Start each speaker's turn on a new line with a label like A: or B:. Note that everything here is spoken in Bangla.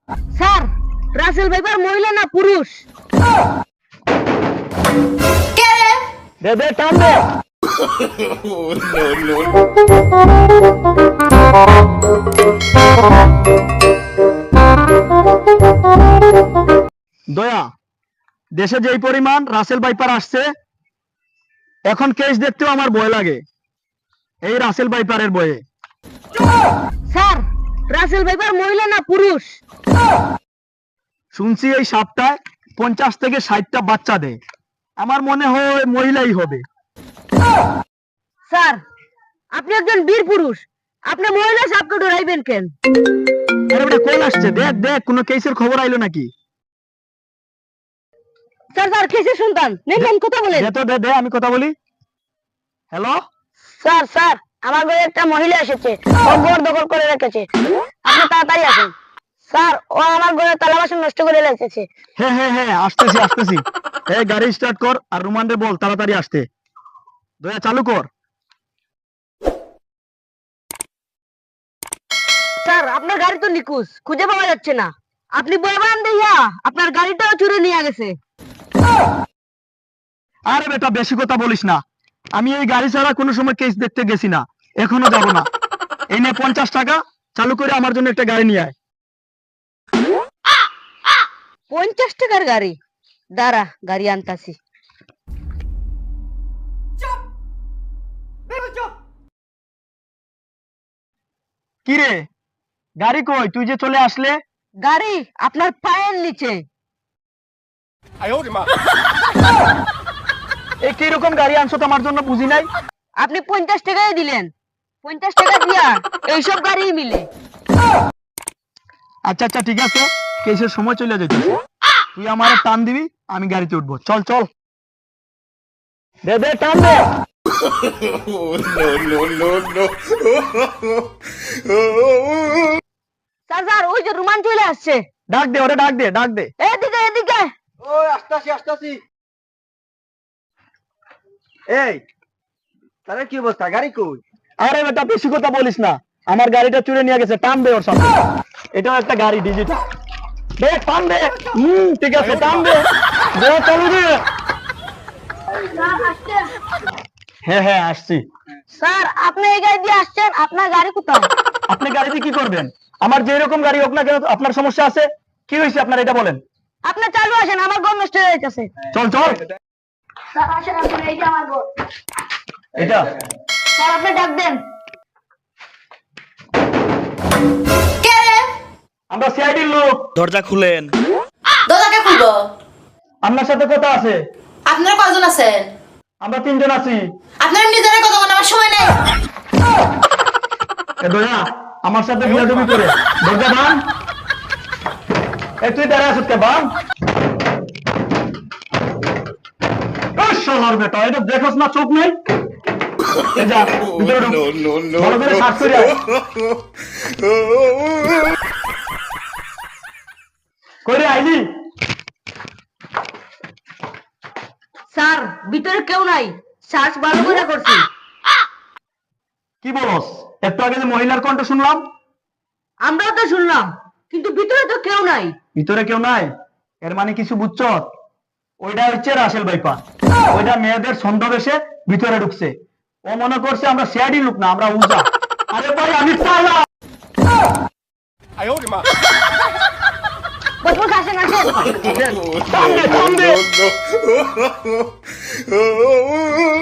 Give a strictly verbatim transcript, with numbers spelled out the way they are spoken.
A: স্যার, রাসেল ভাইপার মহিলা না পুরুষ?
B: কে রে?
C: দে দে টান দে। দয়া, দেশে যেই পরিমাণ রাসেল ভাইপার আসছে, এখন কেস দেখতেও আমার ভয় লাগে এই রাসেল ভাইপারের ভয়ে।
A: স্যার, রাসেল ভাইপার মহিলা না পুরুষ?
C: শুনছি এই সাপটায় পঞ্চাশ থেকে ষাটটা বাচ্চা দেয়, আমার মনে হয় মহিলাই হবে।
A: স্যার, আপনি একজন বীর পুরুষ, আপনি মহিলা সাপকে ডরাইবেন কেন?
C: আরে ওটা কল আসছে, দেখ দেখ কোনো কেসের খবর আইলো নাকি।
A: স্যার স্যার, কেসের সন্তান নেন নেন, কথা বলেন।
C: দে তো দে দে, আমি কথা বলি। হ্যালো
A: স্যার স্যার, আমার ঘরে একটা মহিলা এসেছে, ও ঘর দখল করে রেখেছে, আপনি তাড়াতাড়ি আসুন। স্যার, ও আমার ঘরে তালা বাসন নষ্ট করে রেখেছে।
C: হ্যাঁ হ্যাঁ হ্যাঁ, আসতেছি আসতেছি। এই গাড়ি স্টার্ট কর আর রুমান্ডে বল তাড়াতাড়ি আসতে। দয়া চালু কর।
A: স্যার, আপনার গাড়ি তো নিখোঁজ, খুঁজে পাওয়া যাচ্ছে না। আপনি বলবেন দেইয়া আপনার গাড়িটাও চুরি নিয়ে গেছে।
C: আরে বেটা বেশি কথা বলিস না, আমি এই গাড়ি ছাড়া কোনো সময় কেস দেখতে গেছি না, এখনো যাব না। এই নে পঞ্চাশ টাকা, চালু করে আমার জন্য একটা গাড়ি নিয়ে আয়।
A: পঞ্চাশ টাকার গাড়ি? দাঁড়া, গাড়ি আনতাছি।
C: কি রে, গাড়ি কই? তুই যে চলে আসলে।
A: গাড়ি আপনার পায়ের নিচে।
C: এই কিরকম গাড়ি আনছো তো আমার জন্য বুঝি নাই।
A: আপনি পঞ্চাশ টাকাই দিলেন, পঞ্চাশ টাকা দিয়া এইসব গাড়ি মিলে।
C: আচ্ছা আচ্ছা ঠিক আছে, কেসের সময় চলে যেতেছে, তুই আমার টান দিবি, আমি গাড়িতে উঠবো। চল চল, দে দে টান দে।
A: স্যার স্যার, ওই যে রুমান চলে আসছে।
C: ডাক দে ওরে, ডাক দে ডাক দে।
A: এদিকে এদিকে।
C: ওই আসতাছি আসতাছি। এই তারে কি অবস্থা, গাড়ি কই? আরে বেটা বেশি কথা বলিস না, আমার গাড়িটা চুরে নিয়ে গেছে, টান দে ওর সামনে। এটাও একটা গাড়ি ডিজিটাল, দে টান দে। হুম ঠিক আছে, টান দে, দে চালু দে। হ্যাঁ হ্যাঁ আসছি।
A: স্যার, আপনি এই গাড়ি দিয়ে আসছেন, আপনার গাড়ি কোথায়?
C: আপনি গাড়িতে কি করবেন? আমার যে রকম গাড়ি হোক না কেন, আপনার সমস্যা আছে? কি হয়েছে আপনার, এটা বলেন।
A: আপনি চালু আসেন, আমার ঘর নষ্ট হয়ে যাচ্ছে।
C: চল চল।
A: স্যার আসেন, আসেন, এই যে আমার ঘর।
C: এটা
A: স্যার, আপনি ডাক দেন।
B: কে রে?
C: আমরা সিআইডির লোক।
D: দরজা খুলেন।
B: দরজাকে খুলবো।
C: আপনার সাথে কথা আছে।
B: আপনারা কয়জন আছেন?
C: আমরা তিনজন আছি।
B: আপনারা নিজেরা কথা বলার আমার সময় নেই।
C: এ দয়া, আমার সাথে বিয়াদবি করে দরজা ভাঙ। এ তুই দাঁড়ায় আছিস কে, ভাঙ। এ শালার বেটা, এটা দেখোস না, চোখ নেই। এ যা, ভিতরে ঢুক। ভালো করে শ্বাস করে আয়। কইরে আইলি?
A: স্যার, ভিতরে কেউ নাই, শ্বাস ভালো করে করছি।
C: কি বলস? একটু আগে যে মহিলার কণ্ঠ শুনলাম।
A: আমরাও তো শুনলাম, কিন্তু ভিতরে তো কেউ নাই।
C: ভিতরে কেউ নাই এর মানে কিছু বুঝছ? ওইটা হচ্ছে রাসেল ভাইপা, ওইটা মেয়েদের ছন্দবেশে ভিতরে ঢুকছে। ও মনে করছে আমরা সিআইডি লোক না, আমরা উজা। আরে ভাই আমি চালা।
A: বস বস, আসেন আসেন।
C: সামনে সামনে।